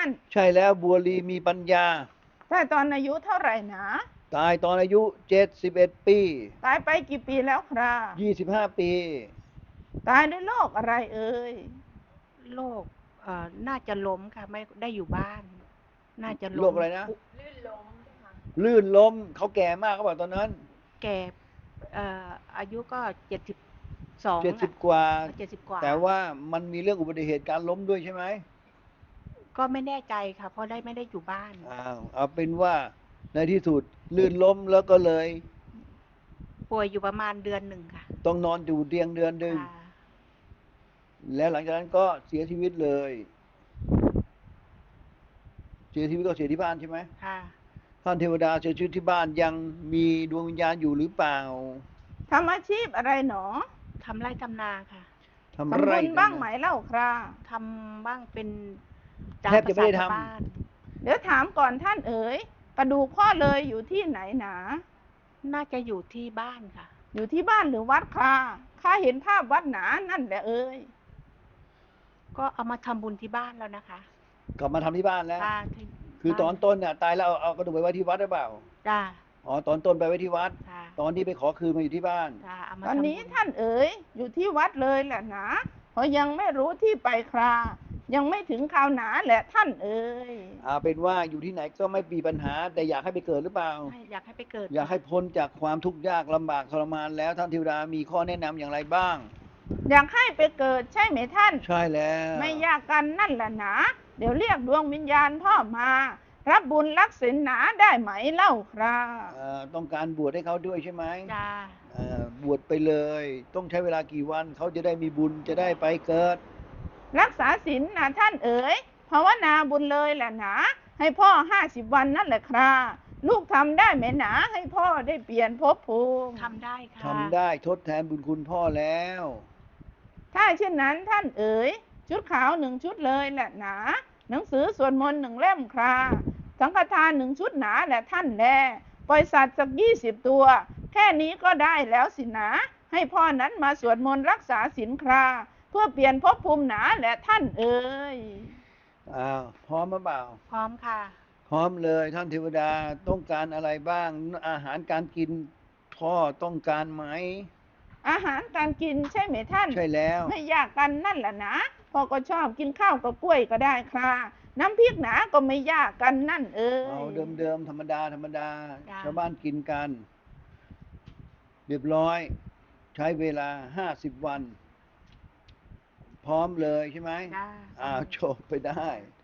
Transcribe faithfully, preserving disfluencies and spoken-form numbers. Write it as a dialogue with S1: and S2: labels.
S1: าน
S2: ใช่แล้วบัวลีมีปัญญา
S1: ตายตอนอายุเท่าไหร่นะ
S2: ตายตอนอายุเจ็ดสิบเอ็ดปี
S1: ตายไปกี่ปีแล้วครับ
S2: ยี่สิบห้าปี
S1: ตายด้วยโรคอะไรเอ่ย
S3: โรคเอ่อน่าจะล้มค่ะไม่ได้อยู่บ้านน่าจะ
S2: โร
S3: ล้ม
S2: คอะไรนะ
S3: ปุ
S2: ลื่นล้มเขาแก่มากเขาบอกตอนนั้น
S3: แก่เอ่ออายุก็เจ็ดสิบสอง
S2: เจ็ดสิ
S3: อ่ะ
S2: บกว่า
S3: เจ็ดสิบกว่า
S2: แต่ว่ามันมีเรื่องอุบัติเหตุการล้มด้วยใช่ไหม
S3: ก็ไม่แน่ใจค่ะเพราะได้ไม่ได้อยู่บ้าน
S2: อ้าวเอาเป็นว่าในที่สุดลื่นล้มแล้วก็เลย
S3: ป่วยอยู่ประมาณเดือนหนึ่งค่ะ
S2: ต้องนอนอยู่เตียงเดือนหนึ่ง
S3: ค่ะ
S2: แล้วหลังจากนั้นก็เสียชีวิตเลยเสียชีวิตก็เสียที่บ้านใช่ไหม
S3: ค่ะ
S2: ท่านเทวดาเสียชีวิตที่บ้านยังมีดวงวิญญาณอยู่หรือเปล่า
S1: ทำอาชีพอะไรหนอ
S3: ทำไร่ทำนาค่ะ
S2: ทำ
S1: ทำ
S2: ไร่
S1: บุญบ้างไหมเล่าครับ
S3: ทำบ้างเป็น
S2: แทบจะไม่ได้ทำ
S3: บ้าน
S1: เดี๋ยวถามก่อนท่านเอ๋ยกระดูกพ่อเลยอยู่ที่ไหนหนา
S3: น่าจะอยู่ที่บ้านค่ะ
S1: อยู่ที่บ้านหรือวัดค่ะข้าเห็นภาพวัดหนานั่นแหละเอ๋ย
S3: ก็เอามาทำบุญที่บ้านแล้วนะคะ
S2: กลับมาทำที่บ้านแล้ว
S3: ค่ะ
S2: คือตอนต้นเนี่ยตายแล้วเอาเอากระดูกไปไว้ที่วัดหรือเปล่า
S3: จ้า
S2: อ๋อตอนต้นไปไว้ที่วัด
S3: ค่ะ
S2: ตอนที่ไปขอคืนมาอยู่ที่บ้าน
S3: จ้าเอามา
S1: ตอน
S3: ทำบุ
S1: นี้
S3: ญ
S1: ท่านเอ๋ยอยู่ที่วัดเลยแหละหนาเพราะยังไม่รู้ที่ไปครายังไม่ถึงคราวหนาแหละท่านเอ๋ย
S2: เอาเป็นว่าอยู่ที่ไหนก็ไม่มีปัญหาแต่อยากให้ไปเกิดหรือเปล่า
S3: ให้อยากให้ไปเกิด
S2: อยากให้พ้นจากความทุกข์ยากลำบากทรมานแล้วท่านเทวดามีข้อแนะนำอย่างไรบ้าง
S1: อยากให้ไปเกิดใช่ไหมท่าน
S2: ใช่แล้ว
S1: ไม่ยากกันนั่นแหละหนาเดี๋ยวเรียกดวงวิญญาณพ่อมารับบุญรักศีลหนาได้ไหมเล่าครับ
S2: เอ่อต้องการบวชให้เขาด้วยใช่ไหม
S3: จ้า
S2: เอ่อบวชไปเลยต้องใช้เวลากี่วันเขาจะได้มีบุญจะได้ไปเกิด
S1: รักษาศีลนะท่านเอ๋ยภาวนาบุญเลยแหละหนาให้พ่อห้าสิบวันนั่นแหละครับลูกทำได้ไหมหนาให้พ่อได้เปลี่ยนภพภูมิ
S3: ทำได้ค่ะ
S2: ทำได้ทดแทนบุญคุณพ่อแล้ว
S1: ถ้าเช่นนั้นท่านเอ๋ยชุดขาวหนึ่งชุดเลยแหละหนาหนังสือสวดมนต์หนึ่งเล่มคราสังฆทานหนึ่งชุดหนาแหละท่านแลปล่อยสัตว์สักยี่สิบตัวแค่นี้ก็ได้แล้วสินะให้พ่อนั้นมาสวดมนต์รักษาศีลคราเพื่อเปลี่ยนภพภูมิหนาแหละท่านเอ๋ย
S2: อ้าวพร้อมหรือเปล่า
S3: พร้อมค่ะ
S2: พร้อมเลยท่านเทวดาต้องการอะไรบ้างอาหารการกินพ่อต้องการไหม
S1: อาหารการกินใช่ไหมท่าน
S2: ใช่แล้ว
S1: ไม่ยากกันนั่นแหละนะพ่อก็ชอบกินข้าวกับกล้วยก็ได้ค่ะน้ำพริกหนาก็ไม่ยากกันนั่นเอ๋ย
S2: เอาเดิมๆธรรมดาธรรมดาชาวบ้านกินกันเรียบร้อยใช้เวลาห้าสิบวันพร้อมเลยใช่ไหมอ้าวจบไปได้